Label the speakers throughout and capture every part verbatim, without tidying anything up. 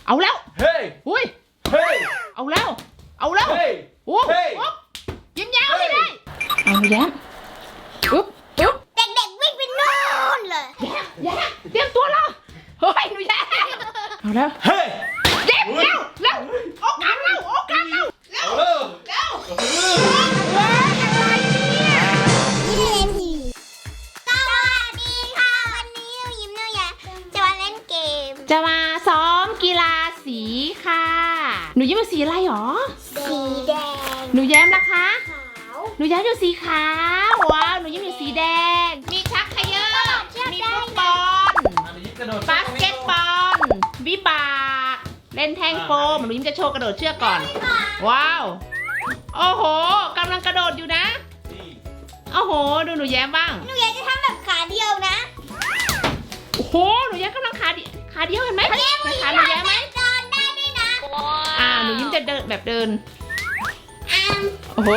Speaker 1: เอาแล้วเฮ้ยอุ้ยเฮ้ยเอาแล้วเอาแล้วเฮ้ยโอ้โหยิ้มแย้มไม่ได้เอาแย้มอุ๊บอุ๊บ
Speaker 2: เด็กๆวิ่งไปนู่นเลย
Speaker 1: แย้มแย้มเตรียมตัวแล้วเฮ้ยหนูแย้มเอาแล้วเฮ้ยแย้มเร็วเร็วโอกาสเร็วโอกาสเร็วเร็วเร็วเร็วอะไรเนี่ย
Speaker 2: ยิ้มเล่นทีสวัสดีค่ะวันนี้ยิ้มเนี่ยจะมาเล่นเกม
Speaker 1: จะมาซ้อมกีฬาสีค่ะหนูยิ้มเป็นสีอะไรหรอ
Speaker 2: สีแดง
Speaker 1: หนูแย้มล่ะคะ
Speaker 2: ขาว
Speaker 1: หนูย้ายอยู่สีขาวว้าวหนูยิ้มอยู่สีแดงมีชักเขยอมีฟุตบอลบาสเกตบอลวิบากเล่นแท่งโฟมหนูยิ้มจะโชว์กระโดดเชือกก่อนว้าวโอ้โหกำลังกระโดดอยู่นะโอ้โหดูหนูแย้มบ้าง
Speaker 2: หนูแย้มจะทำแบบขาเดียวนะ
Speaker 1: โอ้โหหนูแย้มกำลังขาเดียวขาเดียวเห็นไหมขาหนูแย้มไหม
Speaker 2: เดินได้ด้วยนะ
Speaker 1: อ่าหนูยิ้มจะเดินแบบเดินโอ้โห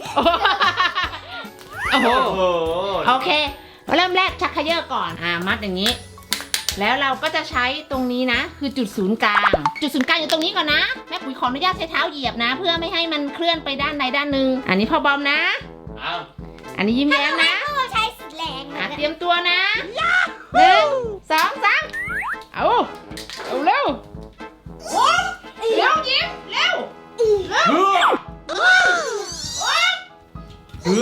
Speaker 1: โอ้โหโอเคเริ่มแรกชักเขย่อก่อนอ่ามัดอย่างนี้แล้วเราก็จะใช้ตรงนี้นะคือจุดศูนย์กลางจุดศูนย์กลางอยู่ตรงนี้ก่อนนะแม่ปุ๋ยขออนุญาตใช้เท้าเหยียบนะเพื่อไม่ให้มันเคลื่อนไปด้านใดด้านหนึ่งอันนี้พ่อบอมนะอันนี้ยิ้มแย้มนะ
Speaker 2: ใช้สีแดง
Speaker 1: เตรียมตัวนะหนึ่งสองสามเอาเอาเร็วเร็วยิ้มเร็วเร็วเฮ้อเฮ้อ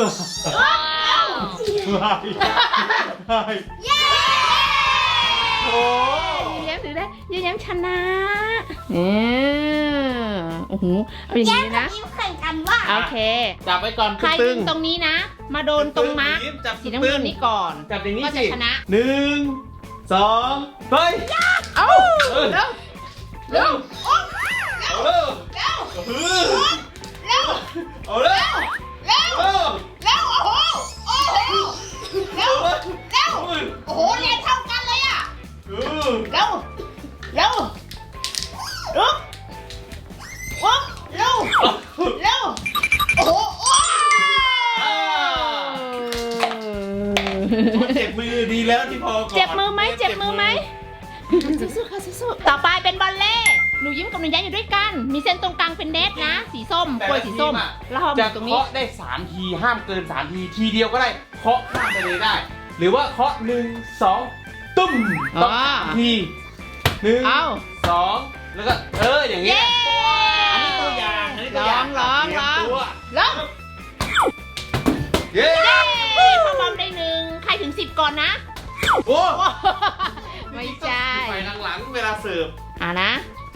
Speaker 1: เย้โอ้ยแย้มถือได้ยิ้มแย้มชนะเนี่ยโอ้โหเอาอย่างนี้นะ
Speaker 2: ยิ้มแข่งกันว่า
Speaker 1: โอเค
Speaker 3: จับไปก่อน
Speaker 1: ใครยิงตรงนี้นะมาโดนตรงมาร์คสีน้ำเงินนี้ก่อน
Speaker 3: จับอย่างนี้
Speaker 1: ก็จะชนะ
Speaker 3: หนึ่งสองเฮ้ย
Speaker 1: เอาเร็วเร็ว
Speaker 3: เอาเร็ว
Speaker 1: เร็ว
Speaker 3: เร็วเอาเร็ว
Speaker 1: เร็วเร็วเร็วโอ้โหโอ้โหเร็วเร็วโอ้โหแรงเท่ากันเลยอ่ะเร็วเร็วลุกลุกเร็วเร็วโอ้โห
Speaker 3: เจ็บมือดีแล้วที่พอก่อน
Speaker 1: เจ็บมือไหมเจ็บมือไหมสู้ๆค่ะสู้ๆต่อไปเป็นบอลเล่หนูยิ้มกับหนูแย้มอยู่ด้วยกันมีเส้นตรงกลางเป็นเน็ตนะสีส้มกล้วยสีส้มแล้ว
Speaker 3: จะเคาะได้สามทีห้ามเกินสามทีทีเดียวก็ได้เคาะข้ามไปเลยได้หรือว่าเคาะหนึ่งสองตุ้มต้องทีหนึ่งสองแล้วก็เอออย่างเงี้ยอันนี้ตัวอย่างอันนี้ตัวอย่าง
Speaker 1: ลองลองลอง
Speaker 3: เย้
Speaker 1: พ่อบอมได้หนึ่งใครถึงสิบก่อนนะ
Speaker 3: โอ้
Speaker 1: ไม่ใช่
Speaker 3: ไปหลังๆเวลาเสิร์ฟ
Speaker 1: อ่านะ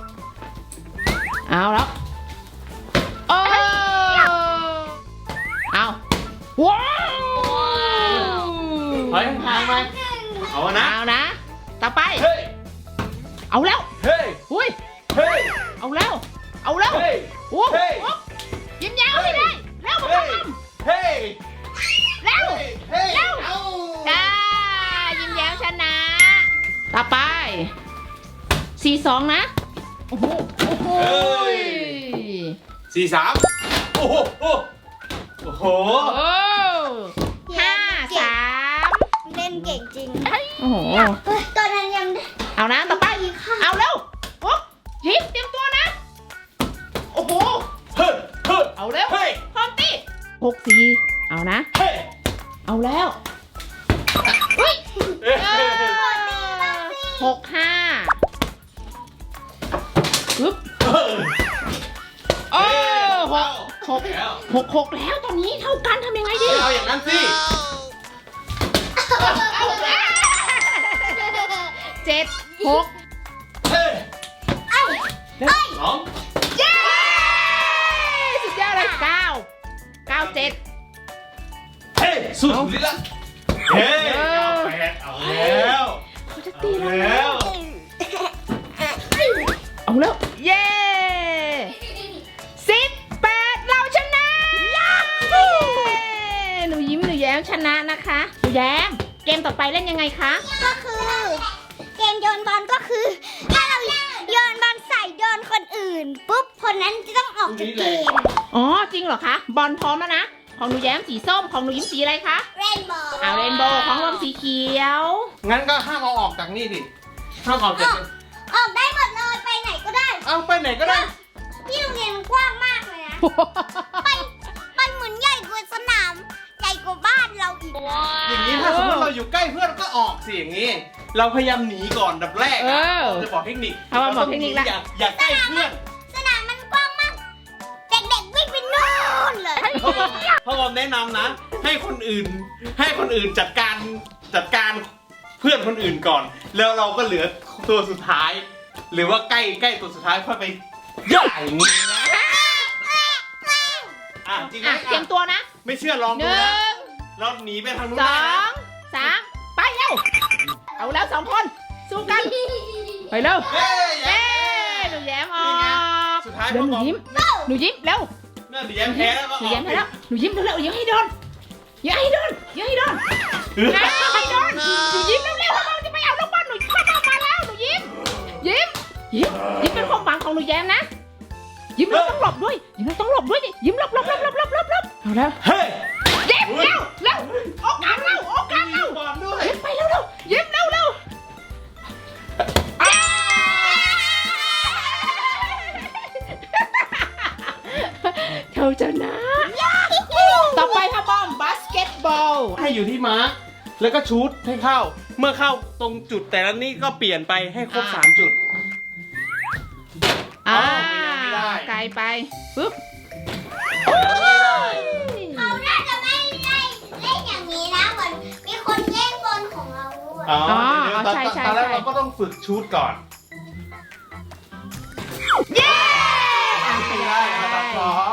Speaker 1: เอาแล้วโอ้เอาว้าว
Speaker 3: เฮ้ยทางไปเอานะ
Speaker 1: เอานะต่อไปเอาแล้ว
Speaker 3: เฮ้ย
Speaker 1: อุ้ย
Speaker 3: เฮ้ย
Speaker 1: เอาแล้วเอาแล้ว
Speaker 3: เฮ้ย
Speaker 1: โอ้ยิ้มแย้มให้ได้แล้วมาทำ
Speaker 3: เฮ้ย
Speaker 1: แล้วแล้วจ้ายิ้มแย้มชนะต่อไปสี่สองนะโอ้โหโอ้โห
Speaker 3: สี่สามโอ้โหโอ้โห
Speaker 1: ห้าสาม
Speaker 2: เล่นเก่งจริง
Speaker 1: โอ้โห
Speaker 2: ตอนนั้นยัง
Speaker 1: เอานะต่อไปเอาเร็วโอ้ยิ้มเตรียมตัวนะโอ้โหเอาเร็วพร้อมตีหกสี่เอานะเอาแล้วอุ้ยหกห้าปึ๊บโอ้หกหกหกหกแล้วตอนนี้เท่ากันทำยังไงดี
Speaker 3: เอาอย่างนั้นสิ
Speaker 1: เจ็ดหก
Speaker 3: เอ้ยสอง
Speaker 1: เย้สุดยอดเลยเก้าเก้าเจ็ด
Speaker 3: เฮ้ยสุดลิ้นละเฮ้ยเอาแปดเอาแล้ว
Speaker 1: เขาจะตีแล้วเอาแล้วเย้สิบแปดเราชนะหนูยิ้มหนูแย้มชนะนะคะหนูแย้มเกมต่อไปเล่นยังไงคะ
Speaker 2: ก็คือเกมโยนบอลก็คือถ้าเราโยนบอลใส่โยนคนอื่นปุ๊บคนนั้นจะต้องออกจากเกม
Speaker 1: อ๋อจริงเหรอคะบอลพร้อมแล้วนะของหนูแย้มสีส้มของหนูยิ้มสีอะไรคะ
Speaker 2: เรนโบว์
Speaker 1: เอาเรนโบว์ของรวมสีเขียว
Speaker 3: งั้นก็ห้ามเอาออกจากนี่ดิห้ามออกจาก
Speaker 2: ออกได้หมดเลยไปไหนก็ได้
Speaker 3: เอาไปไหนก็ได้
Speaker 2: ที่โรงเรียนมันกว้างมากเลยนะ ไปไปเหมือนใหญ่กว่าสนาม ใหญ่กว่าบ้านเราอีกนะ
Speaker 3: อย่างนี้ถ้าสมมติเราอยู่ใกล้เพื่อนก็ออกสิอย่างนี้ เราพยายามหนีก่อนดับแรกนะจะบอกเทคนิค
Speaker 1: เอามาบอกเทคนิคละ
Speaker 3: อย่าอย่าใกล้เพื่อน
Speaker 2: สนามมันกว้างมาก เด็กๆวิ่งไปนู่นเลย
Speaker 3: พ่อผมพ่อผมแนะนำนะ ให้คนอื่น ให้คนอื่นจัดการจัดการเพื่อนคนอื่นก่อน แล้วเราก็เหลือตัวสุดท้าย หรือว่าใกล้ใกล้ตัวสุดท้ายค่อยไปย่าอย่างนี้นะอ่ะจริงไหม
Speaker 1: อ่ะเตรียมตัวนะ
Speaker 3: ไม่เชื่อลอง
Speaker 1: ห
Speaker 3: ดู
Speaker 1: นึ่
Speaker 3: นะ
Speaker 1: ง
Speaker 3: เราหนีไปทางนู้น
Speaker 1: ส
Speaker 3: ได้
Speaker 1: อ
Speaker 3: นะ
Speaker 1: งสามไปเร็วเอาแล้วสองคนสู้กันไปเร็ว
Speaker 3: เฮ้ย
Speaker 1: เย้หนูแย้มออก
Speaker 3: สุดท้าย
Speaker 1: เดี๋ยว
Speaker 3: พ่อ
Speaker 1: หนู
Speaker 3: บอก
Speaker 1: ยิ้มหนูยิ้มเร็ว
Speaker 3: เนื่อหนูแย้มแพ้แล้วก็
Speaker 1: ห
Speaker 3: อ
Speaker 1: นู
Speaker 3: อก
Speaker 1: แย้มไปแล้วหนูยิ้มเร็วๆอย่าให้โดนอย่าให้โดนอย่าให้โดนอย่าให้โดนหนูยิ้มเร็วๆเราจะไปเอาลูกบอลหนูเข้ามาแล้วหนูยิ้มยิ้มยิ้มยิ้มเป็นความหวังของหนูแย้มนะยิ้มเราต้องหลบด้วยยิ้มเราต้องหลบด้วยดิยิ้มหลบหลบหลบหลบหลบหลบหลบเอาแล้ว
Speaker 3: เฮ้ย
Speaker 1: ยิ้มเร็วเร็วโอกาสเร็วโอกาสเร็ว
Speaker 3: ก่อนด้วย
Speaker 1: ยิ้มไปเร็วเร็วยิ้มเร็วเร็วเธอชนะต่อไปค่ะบอมบาสเกตบอล
Speaker 3: ให้อยู่ที่ม้าแล้วก็ชูตให้เข้า เมื่อเข้าตรงจุดแต่ละนี่ก็เปลี่ยนไปให้ครบสามจุด
Speaker 1: อ่า
Speaker 3: ไม่ได้
Speaker 1: ไกลไปปึ๊บ
Speaker 2: เขาน่าจะไม่ได้เล่นอย่างนี้นะเหมือนมีคนแย่งบอลของเราด้วย
Speaker 3: อ๋อเดี๋ยวตอนตอนแรกเราก็ต้องฝึกชูตก่อน
Speaker 1: เย้อ่ะ
Speaker 3: ไม่ได้อันดับสอง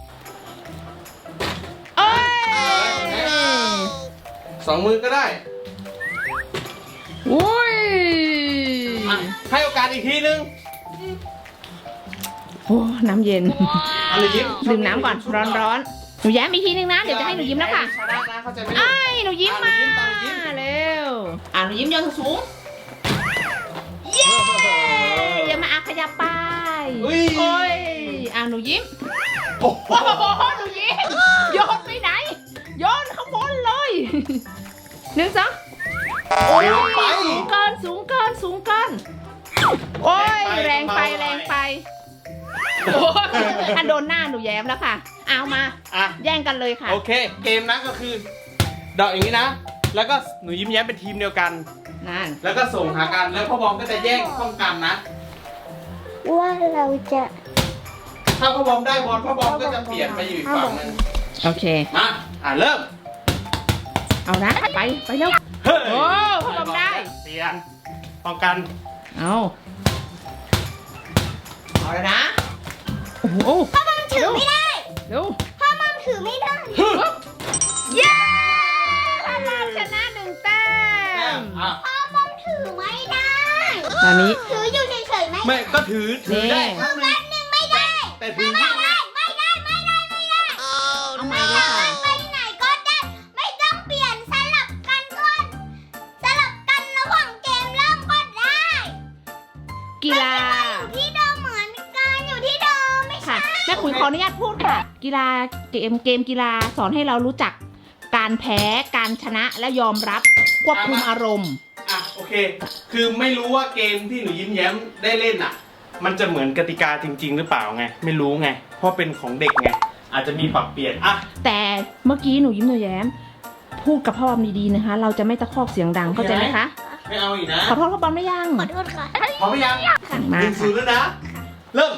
Speaker 1: เอ้ย
Speaker 3: สองมือก็ได้
Speaker 1: อุ้ย
Speaker 3: อ่ะให้โอกาสอีกทีนึง
Speaker 1: โอ้น้ำเย็น
Speaker 3: อันนี้ยิ้ม
Speaker 1: ดื่มน้ำก่อนร้อนร้อนๆหนูแย้มอีกทีนึงนะเดี๋ยวจะให้หนูยิ้มแล้วค่ะ
Speaker 3: ชนะนะเข้าใจไหม
Speaker 1: ไอ้ยหนูยิ้มมา
Speaker 3: อ่ะหนูยิ้มตามหนูยิ้ม
Speaker 1: เร็วอ่ะหนูยิ้มโยนสูงเย้อย่ามาอาขยับไป
Speaker 3: อุ้ย
Speaker 1: โอ้ยอ่ะหนูยิ้ม
Speaker 3: โอ้โห
Speaker 1: โอ้โหหนูยิ้มโยนไปไหนโยนข้างบนเลยหนึ่งสองโอ้ย
Speaker 3: ไป
Speaker 1: สูงเกินสูงเกินสูงเกินโอ้ยแรงไปแรงไปโอ้ยอันโดนหน้าหนูแย้มแล้วค่ะเอามา
Speaker 3: อ่ะ
Speaker 1: แย่งกันเลยค่ะ
Speaker 3: โอเค เกมนะก็คือเดอกอย่างนี้นะ แล้วก็หนูยิ้มแย้มเป็นทีมเดียวกัน
Speaker 1: นั่น
Speaker 3: แล้วก็ส่งหากัน แล้วพ่อบอมก็จะแย่งป้องกันนะ
Speaker 2: ว่าเราจะ
Speaker 3: ถ้าพ่อบอมได้บอลพ่อบอมก็จะเปลี่ยนไปอยู่อีกฝั่งหนึง
Speaker 1: โอเค
Speaker 3: มา อ่ะเริ่ม
Speaker 1: เอานะไปไปเร็ว
Speaker 3: เฮ้ย
Speaker 1: โอ้พ่อบอมได้
Speaker 3: เปลี่ยน ป้องกัน
Speaker 1: เอาเอาเลยนะโอ้โห
Speaker 2: พ่อมัมถือไม่ได้
Speaker 1: เร็ว
Speaker 2: พ่อมัมถือไม่ได้
Speaker 1: เย้พ่อบอมชนะหนึ่งแต้
Speaker 3: แต้
Speaker 1: ม
Speaker 3: มอ่ะ
Speaker 2: พ่อมัมถือไม่ได้
Speaker 1: ตอนนี้
Speaker 2: ถืออยู่เฉยๆไม่
Speaker 3: ไม่ก็ถือ ถือได้
Speaker 1: นี่
Speaker 3: ข้างหนึง
Speaker 2: แป๊บนึงไม่ได้
Speaker 3: แต่ถือ
Speaker 2: ไม่
Speaker 3: ข้างห
Speaker 2: ได้
Speaker 3: นึ่ง
Speaker 2: ไม่ได้ไม่ได้ไม่ได้
Speaker 1: เอาใหม่
Speaker 2: ไม่
Speaker 1: เลย
Speaker 2: สา
Speaker 1: ค่ะ
Speaker 2: มารถไปไหนก็ได้ ไม่ต้องเปลี่ยนสลับกันก่อนสลับกันระหว่างเกมเริ่มก็ได้
Speaker 1: กีฬา
Speaker 2: อยู่ที่เดิมเหมือนกันอยู่ที่เดิมไม่ใช่
Speaker 1: ค่ะแม่ขุนขออนุญาตพูดค่ะ กีฬาเกมเกมกีฬาสอนให้เรารู้จักการแพ้การชนะและยอมรับควบคุมอารมณ์
Speaker 3: อ่ะโอเค คือไม่รู้ว่าเกมที่หนูยิ้มแย้มได้เล่นอ่ะ มันจะเหมือนกติกาจริง ๆ หรือเปล่าไง ไม่รู้ไง เพราะเป็นของเด็กไง อาจจะมีปรับเปลี่ยน อ่ะ
Speaker 1: แต่เมื่อกี้หนูยิ้มหนูแย้ม พูดกับพ่อบอมดีๆนะคะ เราจะไม่ตะคอกเสียงดังเข้าใจไหมคะ
Speaker 3: ไม่เอาอีกนะ
Speaker 1: ขอโทษพ่อบอมได้ยัง
Speaker 2: ขอโทษค่ะ
Speaker 3: พร้อมหรือยัง
Speaker 1: มา
Speaker 3: หนึ่งศูนย์แล้วนะ เริ่ม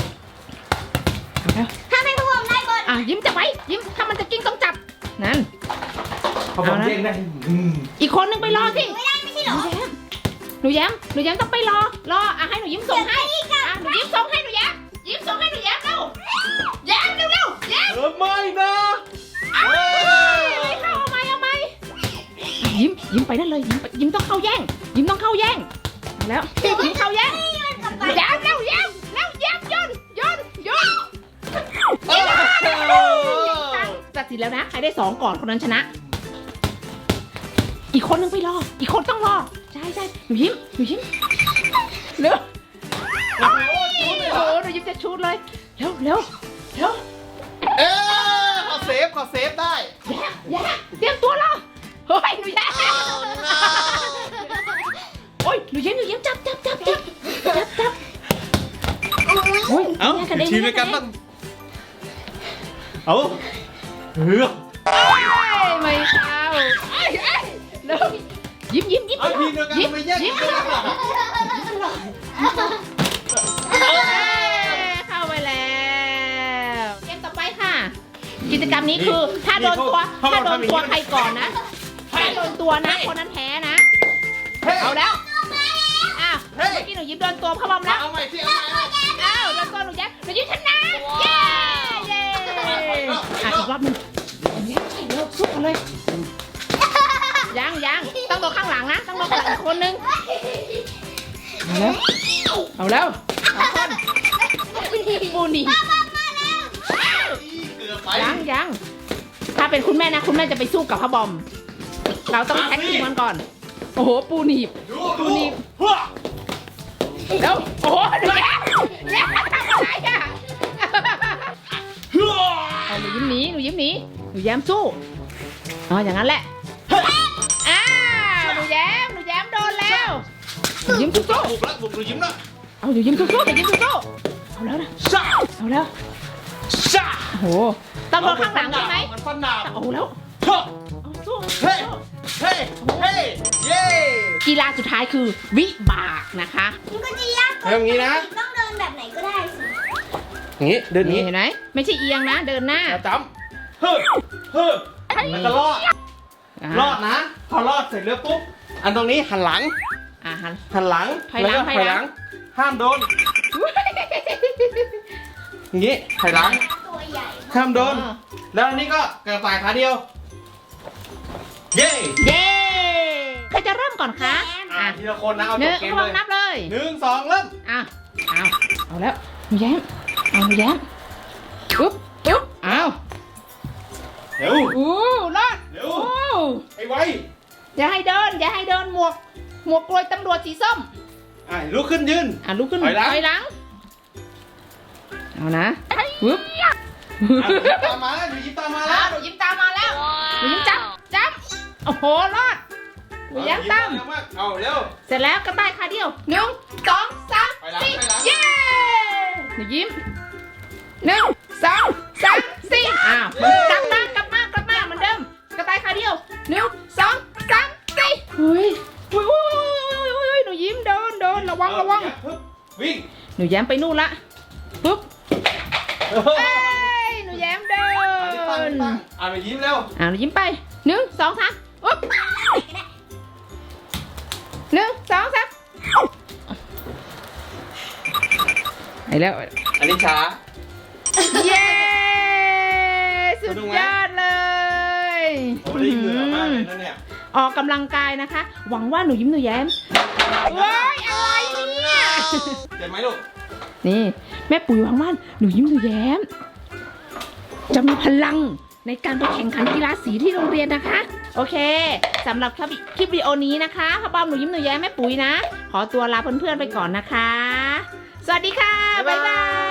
Speaker 2: ถ้าไม่พวกได้บอล
Speaker 1: อ่ะยิ้มจับไว้ยิ้มถ้ามันจะกิ้งต้องจับนั่น
Speaker 3: พอผม
Speaker 1: เอานะ
Speaker 3: เรียกได้อืม
Speaker 1: อีกคนนึงไปรอสิ
Speaker 2: ไม่ได้ไม่ใช่เหรอ
Speaker 1: หนูแย้มหนูแย้มต้องไปรอรออ่ะให้หนูยิ้มส่งให้อ่ะหนูยิ้มส่งให้หนูแย้มยิ้มส่งให้หนูแย้มเร็วแย้มเร็วเร็วแย้ม
Speaker 3: เออไม่นะ
Speaker 1: เอาไม่เข้าเอาไหมเอาไหมยิ้มยิ้มไปนั่นเลยยิ้มไปยิ้มต้องเข้าแย่ง ยิ้มต้องเข้าแย่งเอาแล้วยิ้มเข้าแย่งแย้มเร็วแย้มเร็วแย้มโยนโยนโยน
Speaker 3: เออ
Speaker 1: ตัดสินแล้วนะใครได้สองก่อนคนนั้นชนะ อีกคนนึงไปรอ อีกคนต้องรอใช่ใช่หนูยิ้มหนูยิ้มเร็ว
Speaker 3: โอ้โห
Speaker 1: โอ้โหหนูยิ้มจะชูดเลยเร็วเร็วเร็ว
Speaker 3: เออขอเซฟขอเซฟได้
Speaker 1: แย่แย่เตรียมตัวรอเฮ้ยหนูแย่โอ้ยหนูยิ้มหนูยิ้มจับจับจับจับจับจับอุ้ย
Speaker 3: เอ้า
Speaker 1: แกระเด็น
Speaker 3: ทีมด้วยกันบ้างเอาเฮ้ย
Speaker 1: เอ้ยไม่เข้าเอ้ยเอ้ยเร็วยิ้มยิ้มยิ้ม
Speaker 3: เอาทีมเดียวกัน
Speaker 1: ยิ้ม
Speaker 3: ไปแยก
Speaker 1: ยิ้ม
Speaker 3: กัน
Speaker 1: เอ้ยเข้าไปแล้วเกมต่อไปค่ะ กิจกรรมนี้คือถ้าโดนตัวถ้าโดนตัวใครก่อนนะถ้าโดนตัวนะคนนั้นแพ้นะ เอาแล้วอ้าวเมื่อกี้หนูยิ้มโดนตัวพ่อบอมแล้ว
Speaker 3: เอาใหม่สิเอาใหม่
Speaker 1: อ้าวโดนตัวหนูยิ้มหนูยิ้มชนะเย้เย้อ่ะอีกรอบหนึงเดี๋ยวเดี๋ยวสู้กันเลยยังยังต้องโดนข้างหลังนะต้องโดนข้างหลังอีกคนนึงเอาแล้วเอาแล้วสองคนปูนี่
Speaker 3: เกือบไป
Speaker 1: ยังยังถ้าเป็นคุณแม่นะคุณแม่จะไปสู้กับพ่อบอม เราต้องแท็กทีมกันก่อนโอ้โหปูหนีบ
Speaker 3: ดู
Speaker 1: ปูหนีบ
Speaker 3: หัว
Speaker 1: แล้วโอ้โหดูแล้วแล้วทำอะไรอ่ะ
Speaker 3: หัว
Speaker 1: เอาหนูยิ้มหนีหนูยิ้มหนีหนูแย้มสู้อ๋ออย่างนั้นแหละอ้าวหนูแย้มหนูแย้มโดนแล้วหนูยิ้มสู้สู้
Speaker 3: บุกแล้วบุกหนูยิ้มแล้ว
Speaker 1: เอาหนูยิ้มสู้สู้หนูยิ้มสู้สู้เอาแล้วนะ
Speaker 3: ซ่า
Speaker 1: เอาแล้ว
Speaker 3: ซ่า
Speaker 1: โอ้โหต้องโดนข้างหลังใช่ไหม
Speaker 3: มันฟันดาบ
Speaker 1: เอาแล้ว
Speaker 3: เฮ้ย
Speaker 1: เอาสู้
Speaker 3: เฮ้ย เฮ้ย เฮ้ย เย้
Speaker 1: กีฬาสุดท้ายคือวิบากนะคะ
Speaker 2: มันก็จะยาก
Speaker 3: เริ่มอย่างนี้นะ
Speaker 2: ต้องเดินแบบไหนก็ได้สิ
Speaker 3: อย่างนี้ เดินนี้
Speaker 1: นี่เห็นไหมไม่ใช่เอียงนะ เดินหน้า
Speaker 3: แล้วจำเฮ้ยเฮ้ยแล้วก็รอด รอดนะ พอรอดเสร็จแล้วปุ๊บ อันตรงนี้หันหลัง
Speaker 1: อ่ะหัน
Speaker 3: หันหลัง
Speaker 1: ถอยหลัง
Speaker 3: แล้วก็
Speaker 1: ถอยหลัง
Speaker 3: ห้ามโดน อย่างนี้ถอยหลัง
Speaker 2: ตัวใหญ่
Speaker 3: ห้ามโดน แล้วอันนี้ก็กระต่ายขาเดียว เย้
Speaker 1: เย้ใครจะเริ่มก่อนคะ
Speaker 3: อ่ะ
Speaker 1: อ่ะ
Speaker 3: ทีละคนนะเอา
Speaker 1: ห
Speaker 3: จ
Speaker 1: นึ่
Speaker 3: บ
Speaker 1: ง
Speaker 3: เกม
Speaker 1: ล
Speaker 3: เล
Speaker 1: อง
Speaker 3: ย
Speaker 1: นับเลย
Speaker 3: หนึ่งสองเริ่ม
Speaker 1: อ่ะเอาเอาแล้วหนูแย้มเอาหนูแย้มปุ๊บปุ๊บเอา
Speaker 3: เร็ว
Speaker 1: อู้รอด
Speaker 3: เร็ว
Speaker 1: อู้
Speaker 3: ไอ้ไว
Speaker 1: อย่าให้เดิน อย่าให้เดินหมวก หมวกกลวยตำรวจสีส้ม
Speaker 3: อ่ะลุกขึ้นยืน
Speaker 1: อ่ะลุกขึ้น
Speaker 3: ถอยหลัง
Speaker 1: ถอยหลังเอานะปุ๊บ
Speaker 3: อ่ะยิ้มตามมาแล้วดูยิ้มตามมา
Speaker 1: อ้า
Speaker 3: แล้ว ว
Speaker 1: หนูยิ้มตามมาแล้วหนูยิ้มจับจับโอ้โหรอดหนูแย้มตาม
Speaker 3: เร็วมากเอาเร็ว
Speaker 1: เสร็จแล้วกระต่ายขาเดียวหนึ่งสองสาม
Speaker 3: ไปหลัง
Speaker 1: สี่
Speaker 3: ไปหลัง
Speaker 1: เย้หนูยิ้มหนึ่งสองสามสี่อ้าวกลับมากลับมากลับมาเหมือนเดิมกระต่ายขาเดียวหนึ่งสองสามสี่เฮ้ยอุ้ยอุ้ยอุ้ยอุ้ยหนูยิ้มเดินเดินระวังระวัง
Speaker 3: ปึ๊บวิ่ง
Speaker 1: หนูแย้มไปนู่นละปุ๊บ
Speaker 3: เออ
Speaker 1: เอ้ยหนูแย้มเดิ
Speaker 3: อันนี้ตั้ง
Speaker 1: น
Speaker 3: ตั้งอ่ะไปยิ้มเร็ว
Speaker 1: อ่าหนูยิ้มไปหนึ่งสองสามอุ๊บหนึ่งสองสามไปแล้ว
Speaker 3: อันนี้ช้า
Speaker 1: เย้สุด
Speaker 3: สนุกไหม
Speaker 1: ยอดเลย
Speaker 3: โอ้ได้เหงื่อมากเลยนะเนี่ย
Speaker 1: ออกกำลังกายนะคะ หวังว่าหนูยิ้มหนูแย้มว้ายอะไรเนี่ย
Speaker 3: เจ็บไหมลูก
Speaker 1: นี่แม่ปุ๋ยหวังว่าหนูยิ้มหนูแย้ม จะมีพลังในการไปแข่งขันกีฬาสีที่โรงเรียนนะคะ โอเคสำหรับคลิปคลิปวิดีโอนี้นะคะพ่อบอมหนูยิ้มหนูแย้มแม่ปุ๋ยนะ ขอตัวลาเพื่อนๆไปก่อนนะคะ สวัสดีค่ะ บ๊ายบาย